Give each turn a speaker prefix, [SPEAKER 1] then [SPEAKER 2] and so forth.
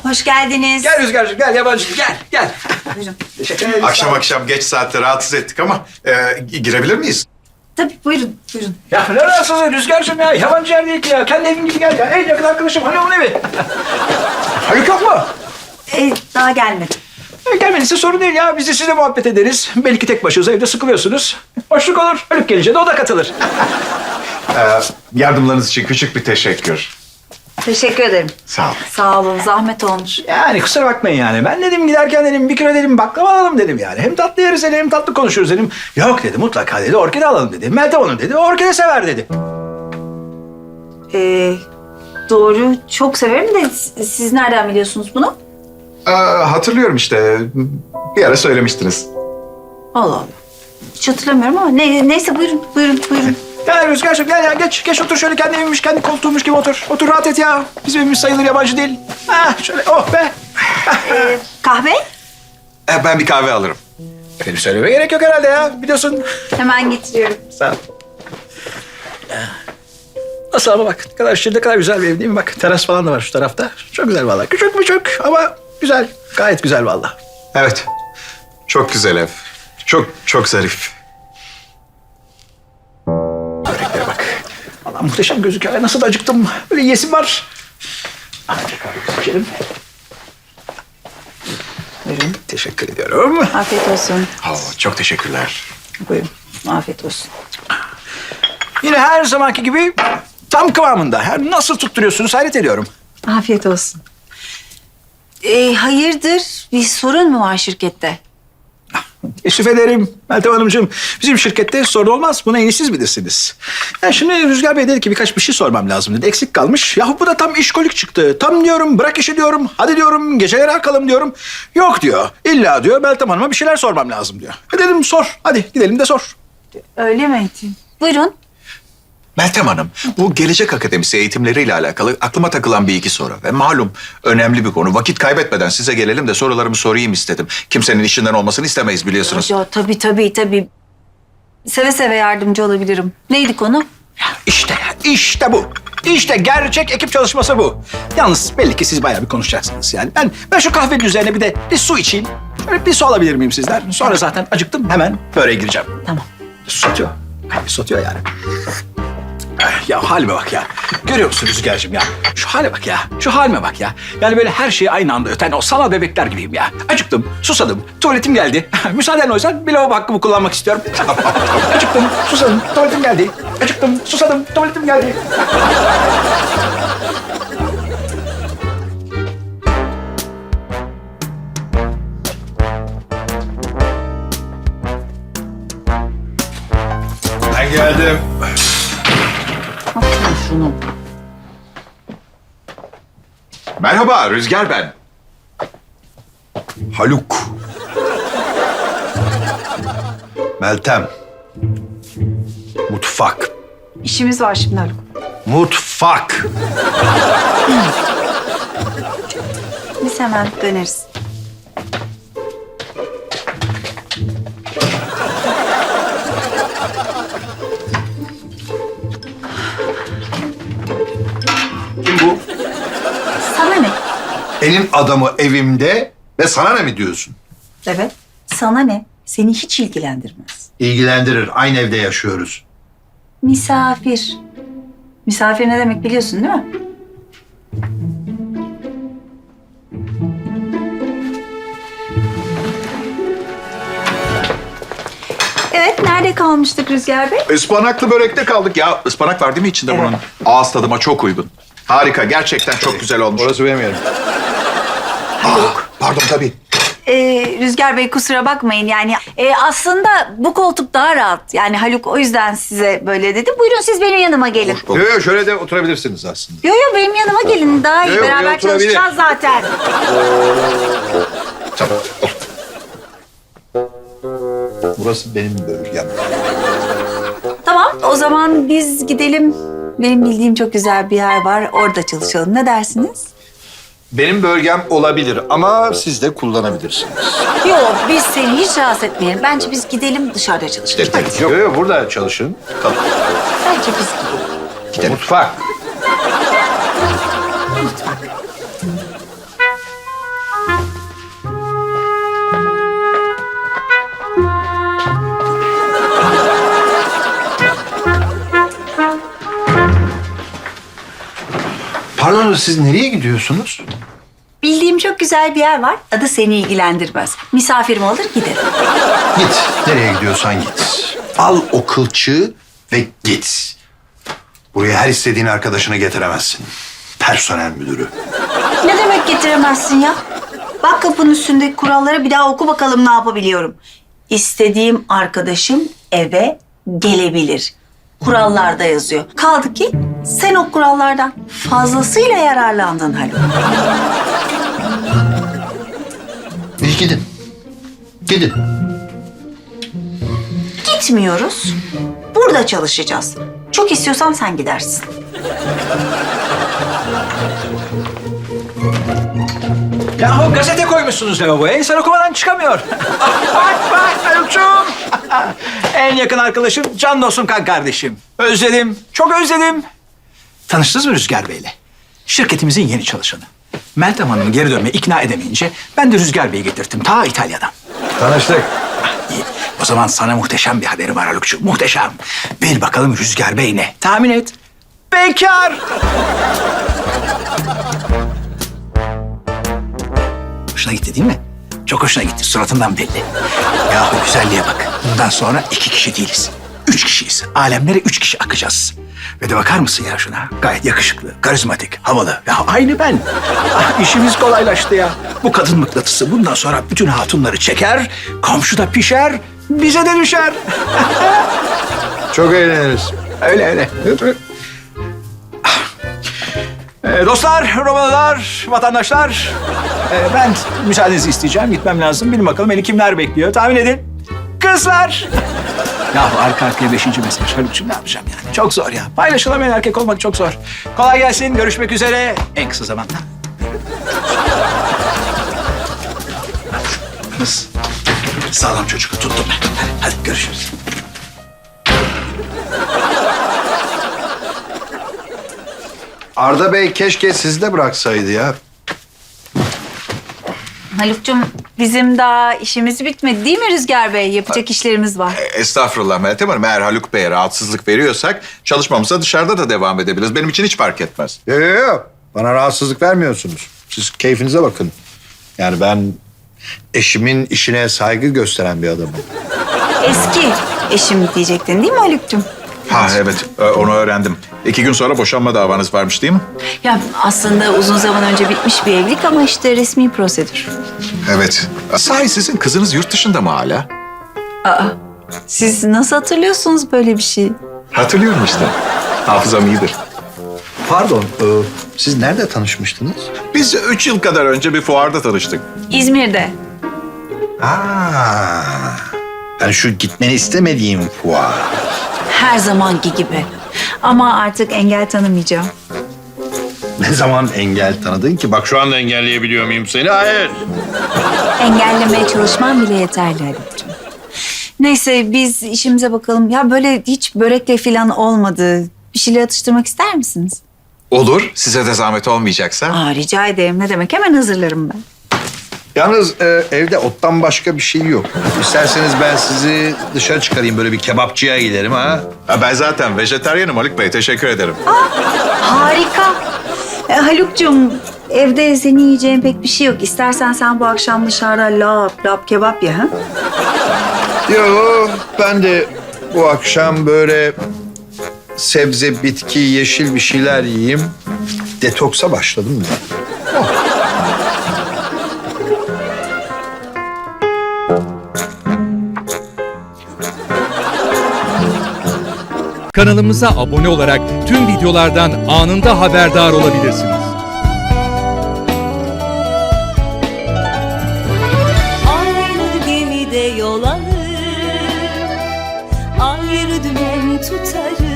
[SPEAKER 1] Hoş geldiniz.
[SPEAKER 2] Gel Rüzgar'cığım, gel yabancı, gel.
[SPEAKER 1] Buyurun.
[SPEAKER 2] Teşekkür ederim.
[SPEAKER 3] Akşam geç saatte rahatsız ettik ama girebilir miyiz?
[SPEAKER 1] Tabii buyurun.
[SPEAKER 2] Ya ne rahatsızlığı Rüzgar'cığım ya, yabancı yer değil ki ya. Kendi evin gibi gel ya. En yakın arkadaşım Haluk'un evi. Haluk yok mu?
[SPEAKER 1] Daha gelmedi.
[SPEAKER 2] Gelmediyse sorun değil ya. Biz de sizle muhabbet ederiz. Belki tek başınıza evde sıkılıyorsunuz. Hoşluk olur. Haluk gelince de o da katılır.
[SPEAKER 3] Yardımlarınız için küçük bir teşekkür.
[SPEAKER 1] Teşekkür ederim.
[SPEAKER 3] Sağ ol.
[SPEAKER 1] Sağ olun. Zahmet olmuş.
[SPEAKER 2] Yani kusura bakmayın yani. Ben dedim giderken dedim bir kilo dedim baklava alalım dedim yani. Hem tatlı yeriz dedim hem tatlı konuşuruz dedim. Yok dedi mutlaka dedi orkide alalım dedi. Meltem Hanım dedi orkide sever dedi.
[SPEAKER 1] Doğru. Çok severim de siz nereden biliyorsunuz bunu?
[SPEAKER 3] Hatırlıyorum işte. Bir ara söylemiştiniz.
[SPEAKER 1] Allah Allah. Hiç hatırlamıyorum ama neyse buyurun.
[SPEAKER 2] Gel Rüzgar'cığım gel ya geç otur şöyle kendi evimmiş kendi koltuğummuş gibi otur. Otur rahat et ya. Bizim evimiz sayılır yabancı değil. Şöyle oh be.
[SPEAKER 1] Kahve?
[SPEAKER 3] Ben bir kahve alırım.
[SPEAKER 2] Benim söylemeye gerek yok herhalde ya biliyorsun.
[SPEAKER 1] Hemen getiriyorum.
[SPEAKER 2] Sağ ol. Nasıl ama bak ne kadar güzel bir ev değil mi? Bak teras falan da var şu tarafta. Çok güzel vallahi. Küçük ama güzel. Gayet güzel vallahi.
[SPEAKER 3] Evet. Çok güzel ev. Çok zarif.
[SPEAKER 2] Böreklere bak. Vallahi muhteşem gözüküyor. Nasıl da acıktım. Böyle yesim var. Azıcık kahve içelim. Buyurun. Teşekkür ediyorum.
[SPEAKER 1] Afiyet olsun.
[SPEAKER 3] Çok teşekkürler.
[SPEAKER 1] Buyurun. Afiyet olsun.
[SPEAKER 2] Yine her zamanki gibi tam kıvamında. Yani nasıl tutturuyorsunuz hayret ediyorum.
[SPEAKER 1] Afiyet olsun. Hayırdır? Bir sorun mu var şirkette?
[SPEAKER 2] Teşrif ederim Meltem Hanımcığım. Bizim şirkette sorun olmaz. Bunu en iyi siz bilirsiniz. Ya şimdi Rüzgar Bey dedi ki birkaç bir şey sormam lazım dedi. Eksik kalmış. Yahu bu da tam işkolik çıktı. Tam diyorum bırak işi diyorum. Hadi diyorum geceleri akalım diyorum. Yok diyor. İlla diyor Meltem Hanım'a bir şeyler sormam lazım diyor. Dedim sor. Hadi gidelim de sor.
[SPEAKER 1] Öyle mi? Buyurun.
[SPEAKER 3] Meltem Hanım, bu Gelecek Akademisi eğitimleriyle alakalı aklıma takılan bir iki soru. Ve malum önemli bir konu. Vakit kaybetmeden size gelelim de sorularımı sorayım istedim. Kimsenin işinden olmasını istemeyiz biliyorsunuz.
[SPEAKER 1] Ya tabii. Seve seve yardımcı olabilirim. Neydi konu?
[SPEAKER 2] İşte bu. İşte gerçek ekip çalışması bu. Yalnız belli ki siz bayağı bir konuşacaksınız yani. Ben şu kahvenin üzerine bir su içeyim. Şöyle bir su alabilir miyim sizden? Sonra zaten acıktım hemen böreğe gireceğim.
[SPEAKER 1] Tamam.
[SPEAKER 2] Su satıyor. Kahve satıyor yani. Ya halime bak ya. Görüyor musun Rüzgar'cığım ya? Şu hale bak ya. Şu halime bak ya. Yani böyle her şeyi aynı anda öten o sanal bebekler gibiyim ya. Acıktım, susadım, tuvaletim geldi. Müsaaden o yüzden bir lavabo hakkımı kullanmak istiyorum. Acıktım, susadım, tuvaletim geldi. Acıktım, susadım, tuvaletim geldi.
[SPEAKER 3] Ben geldim.
[SPEAKER 1] Bakın şunu.
[SPEAKER 3] Merhaba, Rüzgar ben.
[SPEAKER 4] Haluk. Meltem. Mutfak.
[SPEAKER 1] İşimiz var şimdi Haluk.
[SPEAKER 4] Mutfak.
[SPEAKER 1] Biz hemen döneriz.
[SPEAKER 4] Kim bu?
[SPEAKER 1] Sana ne?
[SPEAKER 4] Elin adamı evimde ve sana ne mi diyorsun?
[SPEAKER 1] Evet. Sana ne? Seni hiç ilgilendirmez.
[SPEAKER 4] İlgilendirir. Aynı evde yaşıyoruz.
[SPEAKER 1] Misafir. Misafir ne demek biliyorsun değil mi? Evet, nerede kalmıştık Rüzgar Bey?
[SPEAKER 3] Ispanaklı börekte kaldık ya. Ispanak var değil mi içinde bunun? Ağız tadıma çok uygun. Harika, gerçekten çok güzel olmuş.
[SPEAKER 4] Orası benim yerim. Pardon tabii.
[SPEAKER 1] Rüzgar Bey kusura bakmayın yani aslında bu koltuk daha rahat. Yani Haluk o yüzden size böyle dedi. Buyurun siz benim yanıma gelin.
[SPEAKER 4] Yok şöyle de oturabilirsiniz aslında.
[SPEAKER 1] Yo benim yanıma gelin daha iyi.
[SPEAKER 4] Yo,
[SPEAKER 1] Beraber
[SPEAKER 4] oturabilir.
[SPEAKER 1] çalışacağız zaten.
[SPEAKER 4] Tamam. Burası benim bölgem.
[SPEAKER 1] Tamam o zaman biz gidelim. Benim bildiğim çok güzel bir yer var. Orada çalışalım. Ne dersiniz?
[SPEAKER 4] Benim bölgem olabilir ama siz de kullanabilirsiniz.
[SPEAKER 1] Yok biz seni hiç rahatsız etmeyelim. Bence biz gidelim dışarıda çalışalım. Hadi.
[SPEAKER 4] Yok burada çalışın. Tamam.
[SPEAKER 1] Bence biz gidelim.
[SPEAKER 4] Mutfak. Yalnız siz nereye gidiyorsunuz?
[SPEAKER 1] Bildiğim çok güzel bir yer var. Adı seni ilgilendirmez. Misafirim olur giderim.
[SPEAKER 4] Git. Nereye gidiyorsan git. Al o kılçığı ve git. Buraya her istediğin arkadaşını getiremezsin. Personel müdürü.
[SPEAKER 1] Ne demek getiremezsin ya? Bak kapının üstündeki kuralları bir daha oku bakalım ne yapabiliyorum. İstediğim arkadaşım eve gelebilir. Kurallarda yazıyor. Kaldı ki sen o kurallardan fazlasıyla yararlandın Haluk.
[SPEAKER 4] İyi gidin. Gidin.
[SPEAKER 1] Gitmiyoruz. Burada çalışacağız. Çok istiyorsan sen gidersin.
[SPEAKER 2] Yahu gazete koymuşsunuz lavaboya. İnsan okumadan çıkamıyor. Bak Haluk'cum. En yakın arkadaşım, can dostum, kan kardeşim. Özledim, çok özledim. Tanıştınız mı Rüzgar Bey'le? Şirketimizin yeni çalışanı. Meltem Hanım'ı geri dönmeye ikna edemeyince ben de Rüzgar Bey'i getirttim ta İtalya'dan.
[SPEAKER 4] Tanıştık.
[SPEAKER 2] İyi. O zaman sana muhteşem bir haberi var Haluk'cum. Muhteşem. Bil bakalım Rüzgar Bey ne? Tahmin et. Bekar. Hoşuna gitti değil mi? Çok hoşuna gitti. Suratından belli. Yahu güzelliğe bak. Bundan sonra 2 kişi değiliz. 3 kişiyiz. Alemlere 3 kişi akacağız. Ve de bakar mısın ya şuna? Gayet yakışıklı, karizmatik, havalı. Ya aynı ben. Ah, işimiz kolaylaştı ya. Bu kadın mıknatısı bundan sonra bütün hatunları çeker, komşuda pişer, bize de düşer.
[SPEAKER 4] Çok eğleniriz.
[SPEAKER 2] Öyle. Dostlar, Romalılar, vatandaşlar. Ben müsaadenizi isteyeceğim. Gitmem lazım. Bilin bakalım beni kimler bekliyor. Tahmin edin. Kızlar. Ya arka arkaya 5. mesaj. Haluk'cum ne yapacağım yani? Çok zor ya. Paylaşılamayan erkek olmak çok zor. Kolay gelsin. Görüşmek üzere. En kısa zamanda. Kız. Sağlam çocuk. Tuttum ben. Hadi görüşürüz.
[SPEAKER 4] Arda Bey keşke sizi de bıraksaydı ya.
[SPEAKER 1] Haluk'cum bizim daha işimiz bitmedi değil mi Rüzgar Bey? Yapacak işlerimiz var.
[SPEAKER 3] Estağfurullah Meltem Hanım. Eğer Haluk Bey'e rahatsızlık veriyorsak çalışmamıza dışarıda da devam edebiliriz. Benim için hiç fark etmez.
[SPEAKER 4] Yok. Bana rahatsızlık vermiyorsunuz. Siz keyfinize bakın. Yani ben eşimin işine saygı gösteren bir adamım.
[SPEAKER 1] Eski eşim diyecektin değil mi Haluk'cum?
[SPEAKER 3] Ha evet, onu öğrendim. 2 gün sonra boşanma davanız varmış değil mi?
[SPEAKER 1] Ya aslında uzun zaman önce bitmiş bir evlilik ama işte resmi prosedür.
[SPEAKER 3] Evet. Sahi sizin kızınız yurt dışında mı hala?
[SPEAKER 1] Siz nasıl hatırlıyorsunuz böyle bir şey?
[SPEAKER 3] Hatırlıyorum işte. Hafızam iyidir.
[SPEAKER 4] Pardon, siz nerede tanışmıştınız?
[SPEAKER 3] Biz 3 yıl kadar önce bir fuarda tanıştık.
[SPEAKER 1] İzmir'de.
[SPEAKER 4] Yani şu gitmeni istemediğim fuar.
[SPEAKER 1] Her zamanki gibi. Ama artık engel tanımayacağım.
[SPEAKER 4] Ne zaman engel tanıdın ki? Bak şu anda engelleyebiliyor muyum seni? Hayır.
[SPEAKER 1] Engellemeye çalışmam bile yeterli Haluk'cum. Neyse biz işimize bakalım. Ya böyle hiç börekle falan olmadı. Bir şeyler atıştırmak ister misiniz?
[SPEAKER 3] Olur, size de zahmet olmayacaksa.
[SPEAKER 1] Rica ederim. Ne demek? Hemen hazırlarım ben.
[SPEAKER 4] Yalnız evde ottan başka bir şey yok. İsterseniz ben sizi dışarı çıkarayım. Böyle bir kebapçıya giderim ha.
[SPEAKER 3] Ha, ben zaten vejetaryenim Haluk Bey, teşekkür ederim.
[SPEAKER 1] Harika. Haluk'cum evde senin yiyeceğin pek bir şey yok. İstersen sen bu akşam dışarıda lap kebap ye ha?
[SPEAKER 4] Yo, ben de bu akşam böyle sebze, bitki, yeşil bir şeyler yiyeyim. Detoksa başladım ben.
[SPEAKER 5] Kanalımıza abone olarak tüm videolardan anında haberdar olabilirsiniz.
[SPEAKER 6] Aynı gemide yol alır, ayrı dümen tutarız.